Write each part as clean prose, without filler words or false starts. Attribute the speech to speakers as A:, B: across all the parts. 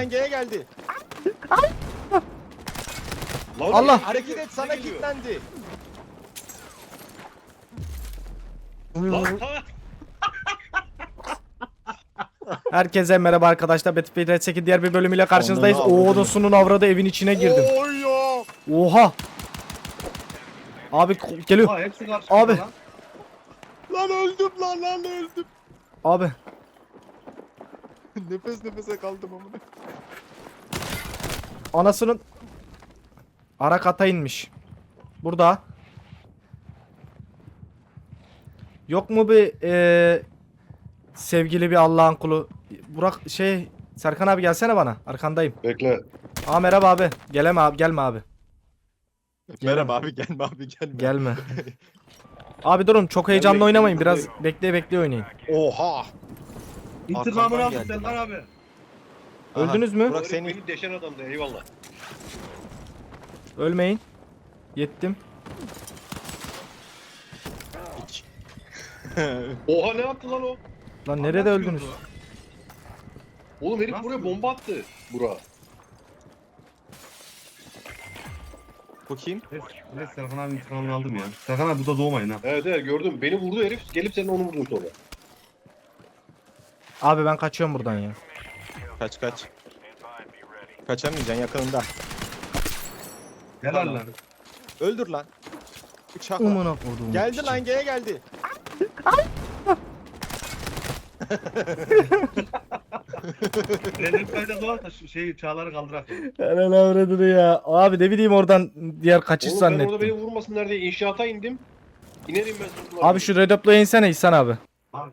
A: lan G'ye geldi.
B: Lan
A: Allah hareket et,
B: ne
A: sana
B: geliyor?
A: kilitlendi.
B: Lan ha.
C: Herkese merhaba arkadaşlar. Battlefield Red 8 diğer bir bölümüyle karşınızdayız.
A: Ananı avradını.
C: Oğlusunun avradı evin içine girdim.
A: Oy ya.
C: Oha. Abi geliyor.
D: Aa, hepsi karşı
C: Abi.
D: lan.
A: Lan öldüm lan öldüm.
C: Abi.
A: Nefes nefese kaldım amına.
C: Anasının ara kata inmiş. Burada. Yok mu bir sevgili bir Allah'ın kulu? Burak Serkan abi gelsene bana. Arkandayım.
B: Bekle.
C: Aa merhaba abi. Geleme abi, gelme abi.
A: Merhaba abi, gelme abi, gelme.
C: Gelme. Abi durun, çok heyecanlı
B: bekliyorum,
C: oynamayın. Biraz
B: buradayım.
C: bekle oynayın.
A: Oha.
D: İntikamını
A: Arkamdan
D: aldı
A: geldi
D: Serkan
A: lan.
D: abi.
C: Öldünüz mü?
A: Burak
B: Senin...
A: seni
B: Beni deşen adamdı eyvallah.
C: Ölmeyin. Yettim.
A: hiç.
B: Oha ne yaptı lan o?
C: Lan nerede öldünüz?
B: Oğlum herif
D: Nasıl
B: buraya
D: öldü?
B: bomba attı. Bura.
A: Bu kim?
D: Evet Serkan abi intikamını aldım ya. Serkan abi burada doğmayın ha.
B: Evet evet gördüm. Beni vurdu herif. Gelip senin onu vurdum sonra.
C: Abi ben kaçıyorum buradan ya.
A: Kaç. Kaçamayacaksın, yakınında.
D: Helal lan.
A: Öldür lan. Uçakla.
C: Umuna koduğum.
A: Geldi lan, G'ye geldi.
D: Benim kayda doğar da çağları kaldırak.
C: Helal avradını ya. Abi ne bileyim oradan diğer kaçış
B: Oğlum ben orada beni
C: zannettim.
B: vurmasınlar diye inşaata indim. İnerim ben sonra.
C: Abi şu redeploy'a insene İhsan abi.
D: Abi.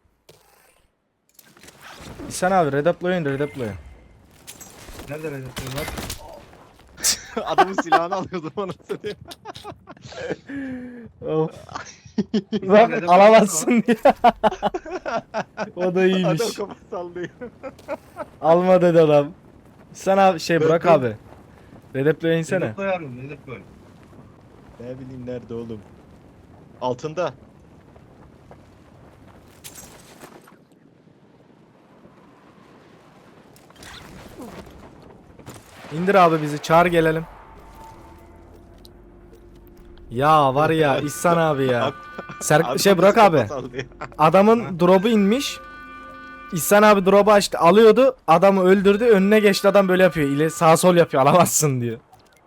C: İhsan abi redeploy'a in redeploy'a.
D: Nerede Recep var?
A: Adamın silahını alıyordum anasını diye.
C: Of. Bak alamazsın diye. O da iyiymiş.
A: Adam kafa sallıyor.
C: Alma dedi adam. İhsan abi Burak abi. Redeploy'a insene.
D: Recep Bey arıyorum Recep Bey.
A: Ne bileyim nerede oğlum. Altında.
C: İndir abi bizi, çağır gelelim. Ya var ya İhsan abi ya. Burak abi.
A: Kafa sallıyor.
C: Adamın drop'u inmiş. İhsan abi drop'u açtı, alıyordu. Adamı öldürdü. Önüne geçti, adam böyle yapıyor. İle sağ sol yapıyor. Alamazsın diyor.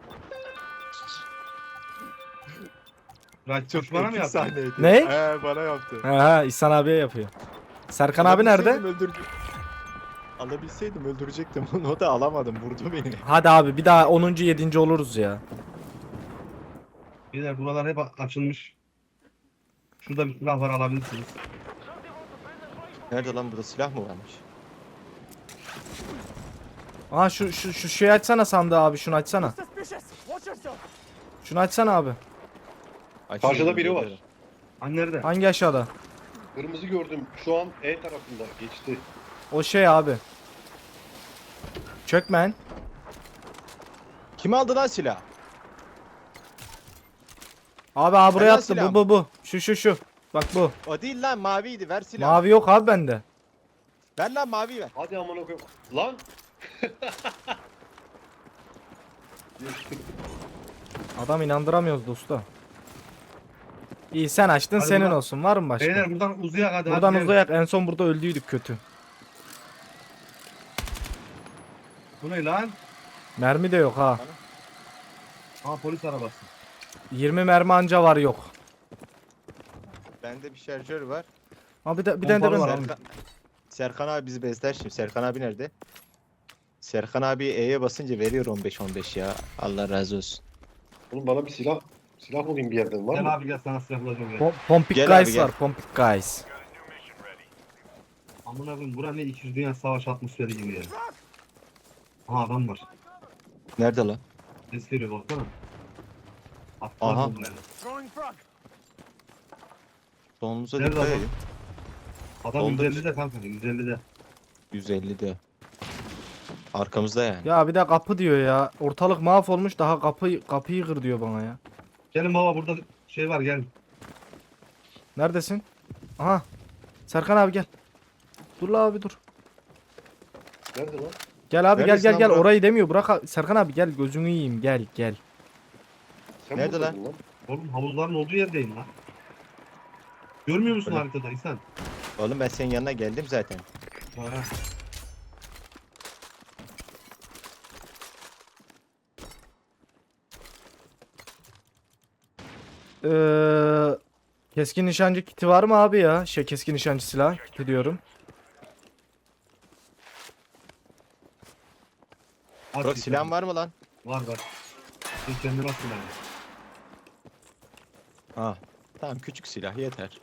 D: Çok bana mı
A: Epik
D: yaptın?
A: sahneydi.
C: Ne?
A: Bana yaptı.
C: Ha İhsan abiye yapıyor. Serkan abi nerede?
A: Alabilseydim öldürecektim onu, o da alamadım, vurdu beni.
C: Hadi abi bir daha 10. 7. oluruz ya.
D: Beyler buralar hep açılmış. Şurada bir silah var alabilirsiniz.
A: Nerede lan, burada silah mı varmış?
C: Aha şu şeyi açsana sandığı abi, şunu açsana. Şunu açsana abi.
B: Karşıda biri var.
D: Hani nerede?
C: Hangi aşağıda?
B: Kırmızı gördüm. Şu an E tarafında geçti.
C: O şey abi. Çökmen.
A: Kim aldı lan silah?
C: Abi buraya
A: Helal
C: attı,
A: silah
C: bu. Şu. Bak bu.
A: O değil lan, maviydi, ver silahı.
C: Mavi yok abi bende.
A: Ver lan, mavi ver.
B: Hadi amına koyayım. Lan.
C: Adam inandıramıyoruz dosta. İyi sen açtın,
D: Hadi
C: senin
D: buradan-
C: olsun. Var mı başka?
D: Beyler buradan uzayak hadi.
C: Buradan
D: hadi.
C: uzayak. En son burada öldüydük kötü.
D: Bu ne lan?
C: Mermi de yok ha.
D: Aa polis arabası.
C: 20 mermi anca var, yok.
A: Bende bir şarjör var.
C: Abi bir tane de
D: Pompalı
C: ben.
D: var abi.
A: Serkan abi bizi besler şimdi. Serkan abi nerede? Serkan abi E'ye basınca veriyor 15 ya. Allah razı olsun.
B: Oğlum bana bir silah bulayım bir yerden var mı?
D: Gel abi gel sana silah bulacağım ya.
C: Pompik
A: Gel abi,
C: guys
A: gel.
C: var. Pompik guys.
D: Amına koyayım bura ne 200 Dünya Savaş atmosferi gibi ya. Aha adam var.
A: Nerede lan?
D: Ses veriyor baksana. Atlar
A: Aha.
D: bombayla.
A: Solunuza
D: Nerede
A: dikkat
D: adam?
A: edin.
D: Adam
A: Doldur.
D: 150'de kanka 150'de.
A: 150'de. Arkamızda yani.
C: Ya bir de kapı diyor ya. Ortalık mahvolmuş, daha kapıyı kır diyor bana ya.
D: Gelin baba burada şey var gel.
C: Neredesin? Aha. Serkan abi gel. Dur la abi dur.
B: Nerede lan?
C: Gel abi
A: Neredesin
C: gel
A: lan
C: gel
A: Burak?
C: orayı demiyor. Serkan abi gel gözünü yiyeyim gel.
B: Sen
A: Nerede
B: buradaydın lan?
D: Oğlum havuzların olduğu yerdeyim lan. Görmüyor musun
A: Öyle.
D: haritada İhsan?
A: Oğlum ben senin yanına geldim zaten.
D: Ha.
C: Keskin nişancı kiti var mı abi ya? Keskin nişancı silah kiti diyorum.
D: Aç
A: Burak
D: İhsan.
A: silahın var mı lan?
D: Var var. Sen kendine bak silahı.
A: Ha. Tamam küçük silah yeter.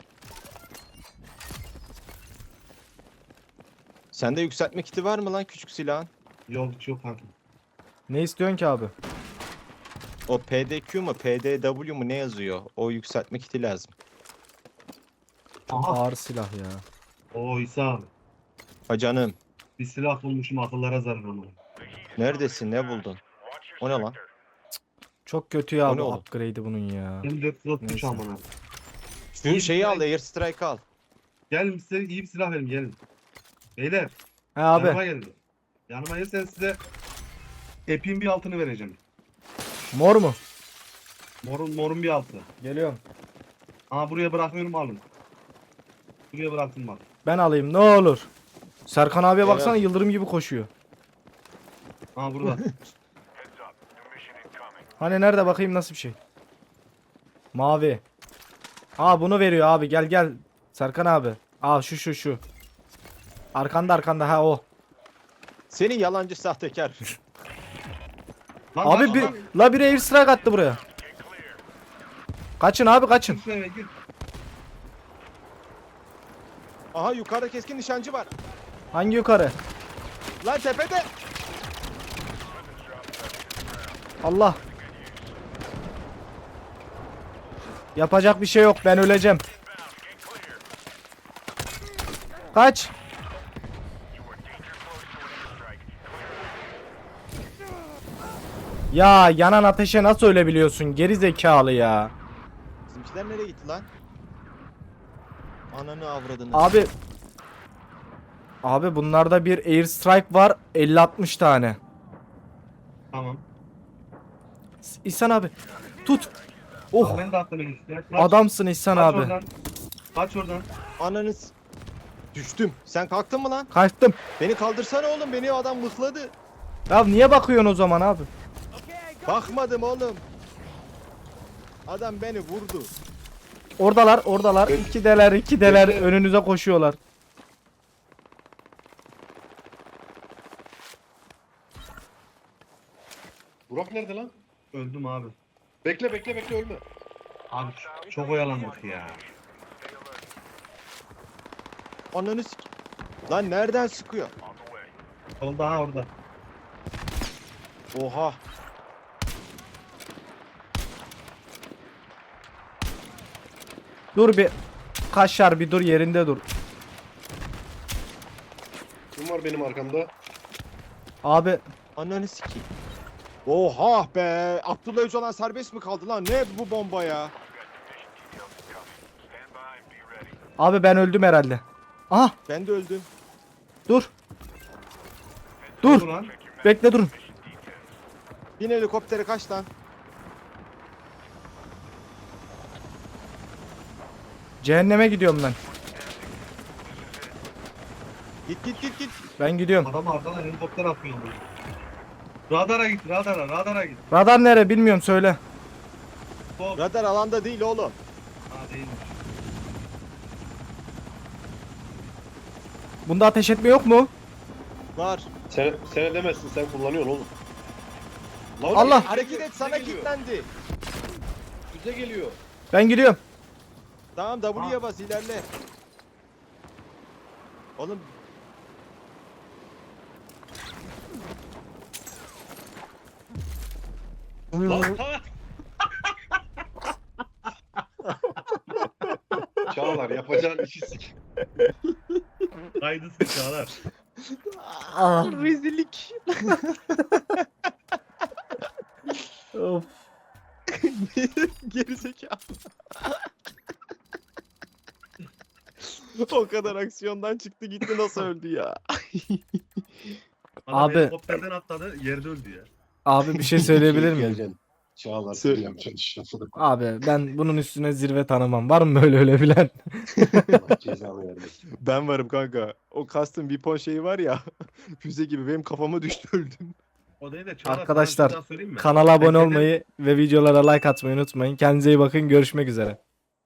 A: Sende yükseltme kiti var mı lan küçük silahın?
D: Yok hiç yok kanka.
C: Ne istiyorsun ki abi?
A: O PDQ mu PDW mu ne yazıyor? O yükseltme kiti lazım.
D: Aha.
C: Ağır silah ya.
D: Oo İhsan.
A: Ha canım.
D: Bir silah bulmuşum akıllara zarar onu.
A: Neredesin? Ne buldun? O ne lan?
C: Çok kötü ya
A: O ne
C: bu
A: oğlum?
C: upgrade'i bunun ya.
D: Hem 433
C: Neyse.
D: amına.
A: Şu şeyi al, Air Strike al.
D: Gelin size iyi bir silah verin gelin. Beyler
C: He abi.
D: yanıma gelin. Yanıma gelsen size epin bir altını vereceğim.
C: Mor mu?
D: Morun bir altı.
C: Geliyorum.
D: Aa buraya bırakıyorum alın. Buraya bıraktım bak.
C: Ben alayım ne olur. Serkan abiye
A: Evet.
C: baksana yıldırım gibi koşuyor.
D: Aa burada.
C: Hani nerede bakayım nasıl bir şey? Mavi. Aa bunu veriyor abi gel. Serkan abi. Aa şu. Arkanda ha o.
A: Seni yalancı sahtekar.
D: Lan,
C: Abi
D: lan,
C: bir
D: lan.
C: la bir air strike attı buraya. Kaçın abi kaçın.
D: Gir şu eve, gir.
A: Aha yukarıda keskin nişancı var.
C: Hangi yukarı?
A: Lan tepede.
C: Allah. Yapacak bir şey yok ben öleceğim. Kaç. Ya yanan ateşe nasıl ölebiliyorsun geri zekalı ya.
A: Bizimkiler nereye gitti lan? Ananı avradını.
C: Abi. Abi bunlarda bir air strike var 50-60 tane.
D: Tamam.
C: İhsan abi tut. Oh
D: Ben de attım işte.
C: adamsın İhsan
D: Kaç
C: abi.
D: oradan. Kaç oradan.
A: Ananı düştüm. Sen kalktın mı lan?
C: Kaçtım.
A: Beni kaldırsana oğlum. Beni adam mıhladı.
C: Ya niye bakıyorsun o zaman abi?
A: Bakmadım oğlum. Adam beni vurdu.
C: Oradalar. İkideler önünüze koşuyorlar.
B: Burak nerede lan?
D: Öldüm abi.
B: Bekle ölme.
D: Abi çok oyalandık ya.
A: Ananı Lan nereden sıkıyor?
D: Oldu ha orada.
A: Oha.
C: Dur bir. Kaşar bir dur yerinde dur.
B: Kim var benim arkamda?
C: Abi
A: Ananı sikeyim. Oha be. Abdullah Öcalan serbest mi kaldı lan? Ne bu bomba ya?
C: abi ben öldüm herhalde. Aha
A: Ben de öldüm.
C: dur.
D: Dur
C: Dur.
D: lan.
C: Bekle durun.
A: Bin helikoptere kaç lan?
C: Cehenneme gidiyorum ben.
A: Git.
C: Ben gidiyorum.
D: Adam arkadan helikopter atıyor. Radara git radara git.
C: Radar nere bilmiyorum söyle.
D: Stop.
A: Radar alanda değil oğlum.
D: Ha değilmiş.
C: Bunda ateş etme yok mu?
A: Var.
B: Sen edemezsin, sen kullanıyorsun oğlum. Lan
C: Allah!
B: bize
A: Hareket
B: geliyor,
A: et sana
B: bize geliyor.
A: kilitlendi.
B: Bize geliyor.
C: Ben gidiyorum.
A: Tamam W'ye bas ilerle. Oğlum
B: Lan ha! Çağlar yapacağın işi sik.
D: Kaydı sıçralar.
A: rezillik.
C: Of.
A: Gerizekalı. O kadar aksiyondan çıktı gitti nasıl öldü ya?
D: Adam
C: Abi-
D: helikopterden atladı yerde öldü ya.
C: Abi bir şey söyleyebilir miyim?
B: Göreceksin. Çağlar
A: Söyle.
B: yapacaksın.
C: Abi ben bunun üstüne zirve tanımam. Var mı böyle ölebilen?
B: Allah cezanı vermesin.
A: Ben varım kanka. O custom weapon şeyi var ya. Füze gibi benim kafama düştü öldüm.
D: O değil de Çağlar,
C: Arkadaşlar,
D: sana bir şey daha söyleyeyim mi?
C: Kanala abone
D: Teknede-
C: olmayı ve videolara like atmayı unutmayın. Kendinize iyi bakın. Görüşmek üzere.